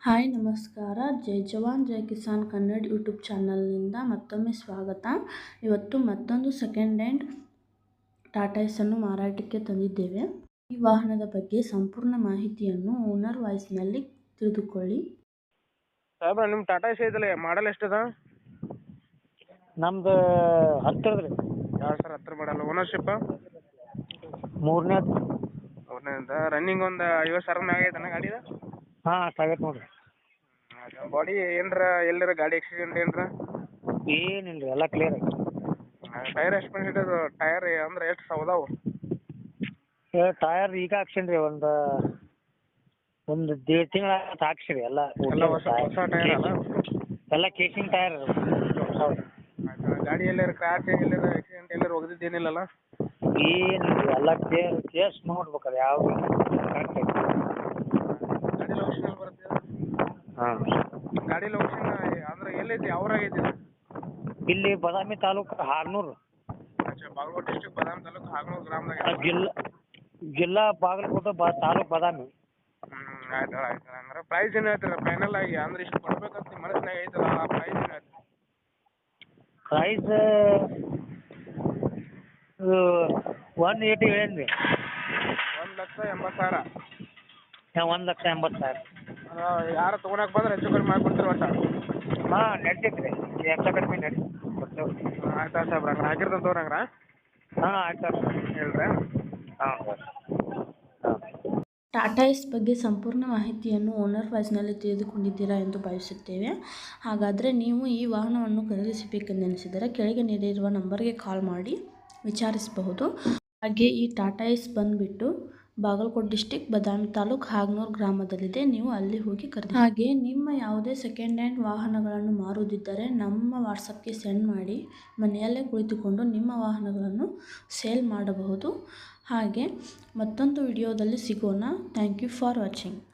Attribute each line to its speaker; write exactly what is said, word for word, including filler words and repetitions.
Speaker 1: Hi ನಮಸ್ಕಾರ. ಜೈ ಜವಾನ್ ಜೈ ಕಿಸಾನ್ ಕನ್ನಡ ಯೂಟ್ಯೂಬ್ ಚಾನಲ್ನಿಂದ ಮತ್ತೊಮ್ಮೆ ಸ್ವಾಗತ. ಇವತ್ತು ಮತ್ತೊಂದು ಸೆಕೆಂಡ್ ಹ್ಯಾಂಡ್ ಟಾಟಾ ಏಸನ್ನು ಮಾರಾಟಕ್ಕೆ ತಂದಿದ್ದೇವೆ. ಈ ವಾಹನದ ಬಗ್ಗೆ ಸಂಪೂರ್ಣ ಮಾಹಿತಿಯನ್ನು ಓನರ್ ವಾಯ್ಸ್ನಲ್ಲಿ ತಿಳಿದುಕೊಳ್ಳಿ.
Speaker 2: ಸಾಹೇಬ್ರ ನಿಮ್ಮ ಟಾಟಾ ಏಸ್ ಐತಲ್ಲ, ಮಾಡಲ್ ಎಷ್ಟದ?
Speaker 3: ನಮ್ದು ಹತ್ತಿರದ ರೀ.
Speaker 2: ಎರಡು ಸಾವಿರ ಹತ್ತರ ಮಾಡಲ್ಲ. ಓನರ್ಶಿಪ್
Speaker 3: ಮೂರನೇ
Speaker 2: ಮೂರನೇದ. ರನ್ನಿಂಗ್ ಒಂದು ಐವತ್ತು ಸಾವಿರ ಮ್ಯಾಗ ಐತನ ಗಾಡಿದ?
Speaker 3: ಹಾಂ ಅಷ್ಟಾಗೈತೆ ನೋಡಿರಿ.
Speaker 2: ಬಾಡಿ ಏನರ ಎಲ್ಲರ ಗಾಡಿ ಆಕ್ಸಿಡೆಂಟ್ ಏನರ?
Speaker 3: ಏನಿಲ್ಲ ರೀ, ಎಲ್ಲ ಕ್ಲಿಯರ್ ಐತೆ.
Speaker 2: ಟೈರ್ ಎಷ್ಟು ಪರ್ಸೆಂಟ್ ಅದು? ಟೈರ್ ಅಂದ್ರೆ ಎಷ್ಟು ಸೌದಾವು?
Speaker 3: ಏ ಟಯರ್ ಈಗ ಹಾಕ್ಸೀನಿ ರೀ, ಒಂದು ಒಂದು ದೇಡ್ ತಿಂಗಳ ಹಾಕ್ಸಿರಿ ಎಲ್ಲ.
Speaker 2: ಎಲ್ಲ ಹೊಸ ಹೊಸ ಟೈರ್ ಅಲ್ಲ?
Speaker 3: ಎಲ್ಲ ಕೇಸಿಂಗ್ ಟಯರ್ ಹೌದು.
Speaker 2: ಆಯ್ತು. ಗಾಡಿ ಎಲ್ಲರ ಕ್ರ್ಯಾಚ್ ಎಲ್ಲರ ಆಕ್ಸಿಡೆಂಟ್ ಎಲ್ಲರ ಒಗದಿದ್ದೇನಿಲ್ಲಲ್ಲ?
Speaker 3: ಏನಿಲ್ಲ ರೀ, ಎಲ್ಲ ಕೇರ್ ಕೇಸ್ ನೋಡ್ಬೇಕಲ್ಲ ಯಾವ ಕರೆಕ್ಟ್ ಐತೆ.
Speaker 2: ಗಾಡಿ ಲೊಕೇಶನ್ ಎಲ್ಲಿ ಬರುತ್ತೆ?
Speaker 3: ಹಾಂ,
Speaker 2: ಗಾಡಿ ಲೊಕೇಶನ್ ಅಂದ್ರೆ ಎಲ್ಲೈತಿ? ಯಾವ್ರಾಗೈತಿ ಇದು?
Speaker 3: ಇಲ್ಲಿ ಬಾದಾಮಿ ತಾಲೂಕು ಹಾರ್ನೂರು,
Speaker 2: ಅಚ್ಚಾ, ಬಾಗಲಕೋಟೆ ಡಿಸ್ಟ್ರಿಕ್ಟ್ ಬಾದಾಮಿ ತಾಲೂಕು ಹಾಗನೂರು ಗ್ರಾಮದಾಗ.
Speaker 3: ಜಿಲ್ಲಾ ಜಿಲ್ಲಾ ಬಾಗಲಕೋಟೆ ಬಾ ತಾಲೂಕು ಬಾದಾಮಿ.
Speaker 2: ಹ್ಞೂ ಆಯ್ತು ಆಯ್ತು. ಹಂಗಾರೆ ಪ್ರೈಸ್ ಏನು ಹೇಳ್ತೀರ ಫೈನಲ್ ಆಗಿ? ಅಂದ್ರೆ ಇಷ್ಟು ಕೊಡ್ಬೇಕಂತ ನಿಮ್ಮ ಮನಸ್ಸಿನಾಗ ಐತಲ್ಲ, ಆ ಪ್ರೈಸ್ ಏನು ಹೇಳ್ತೀರ?
Speaker 3: ಪ್ರೈಸ್ ಒನ್ ಏಯ್ಟಿ ಹೇಳೇನಿ ರೀ.
Speaker 2: ಒಂದು ಲಕ್ಷ ಎಂಬತ್ತು ಸಾವಿರ.
Speaker 3: ಹಾಂ, ಒಂದು ಲಕ್ಷ ಎಂಬತ್ತು ಸಾವಿರ.
Speaker 2: ಯಾರು ತೊಗೊಳಕ್ಕೆ ಬಂದ್ರೆ ಹೆಚ್ಚು ಕಡಿಮೆ ಮಾಡಿಕೊಡ್ತೀರಿ ಒಟ್ಟು?
Speaker 3: ಹಾಂ ನಡ್ತೈತೆ ರೀ, ಹೆಚ್ಚು ಕಡಿಮೆ ನಡಿ ಕೊಡ್ತೇವೆ.
Speaker 2: ಆಯ್ತು ಆಯ್ತು ಸಾಹೇಬ್ರ, ಹಂಗಾರೆ ಹಾಕಿರ್ತಂತ ತೋರಿ ಹಂಗಾರೆ.
Speaker 3: ಹಾಂ ಆಯ್ತು
Speaker 2: ಹೇಳ್ರಿ.
Speaker 3: ಹಾಂ ಹಾಂ.
Speaker 1: ಟಾಟಾ ಏಸ್ ಬಗ್ಗೆ ಸಂಪೂರ್ಣ ಮಾಹಿತಿಯನ್ನು ಓನರ್ ವಾಯ್ಸ್ನಲ್ಲಿ ತಿಳಿದುಕೊಂಡಿದ್ದೀರಾ ಎಂದು ಭಾವಿಸುತ್ತೇವೆ. ಹಾಗಾದರೆ ನೀವು ಈ ವಾಹನವನ್ನು ಖರೀದಿಸಬೇಕೆಂದೆನಿಸಿದರೆ ಕೆಳಗೆ ನೀಡಿರುವ ನಂಬರ್ಗೆ ಕಾಲ್ ಮಾಡಿ ವಿಚಾರಿಸಬಹುದು. ಹಾಗೆ ಈ ಟಾಟಾ ಏಸ್ ಬಂದುಬಿಟ್ಟು ಬಾಗಲಕೋಟೆ ಡಿಸ್ಟಿಕ್ ಬಾದಾಮಿ ತಾಲೂಕು ಹಾಗನೂರು ಗ್ರಾಮದಲ್ಲಿದೆ. ನೀವು ಅಲ್ಲಿ ಹೋಗಿ ಖರೀದಿ. ಹಾಗೆ ನಿಮ್ಮ ಯಾವುದೇ ಸೆಕೆಂಡ್ ಹ್ಯಾಂಡ್ ವಾಹನಗಳನ್ನು ಮಾರುವುದಿದ್ದರೆ ನಮ್ಮ ವಾಟ್ಸಪ್ಗೆ ಸೆಂಡ್ ಮಾಡಿ ಮನೆಯಲ್ಲೇ ಕುಳಿತುಕೊಂಡು ನಿಮ್ಮ ವಾಹನಗಳನ್ನು ಸೇಲ್ ಮಾಡಬಹುದು. ಹಾಗೆ ಮತ್ತೊಂದು ವಿಡಿಯೋದಲ್ಲಿ ಸಿಗೋಣ. Thank you for watching.